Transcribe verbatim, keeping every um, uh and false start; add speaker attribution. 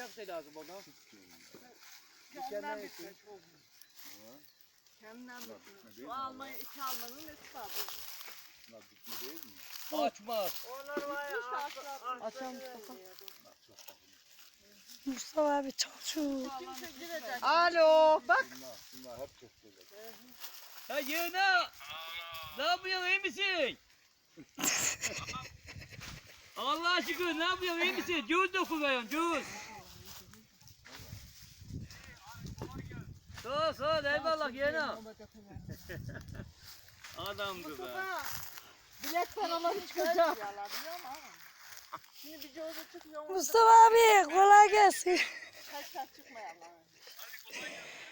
Speaker 1: şey lazım ona.
Speaker 2: Kendinden bitmiş. Kendinden bitmiş. Şu almayı iki almanın nesi var?
Speaker 3: Bunlar bitme değil mi?
Speaker 1: Açmaz.
Speaker 2: Onlar var ya.
Speaker 4: Açalım Mustafa. Mustafa abi çalışıyor.
Speaker 2: Kimse girecek.
Speaker 4: Alo bak.
Speaker 3: Bunlar, bunlar hep çok güzel.
Speaker 1: Ya yeğena. Ne yapıyorsun, iyi misin? Allah şükür, ne yapıyorsun, iyi misin? Cüz dokunuyorsun, cüz. Sağ ol, sağ ol, eyvallah yeğena. Adamdı be.
Speaker 2: Bilek paraları çıkacak. Şimdi bir coğda çıkmıyor.
Speaker 4: Mustafa abi kolay gelsin.
Speaker 2: Kaç kaç çıkmayalım.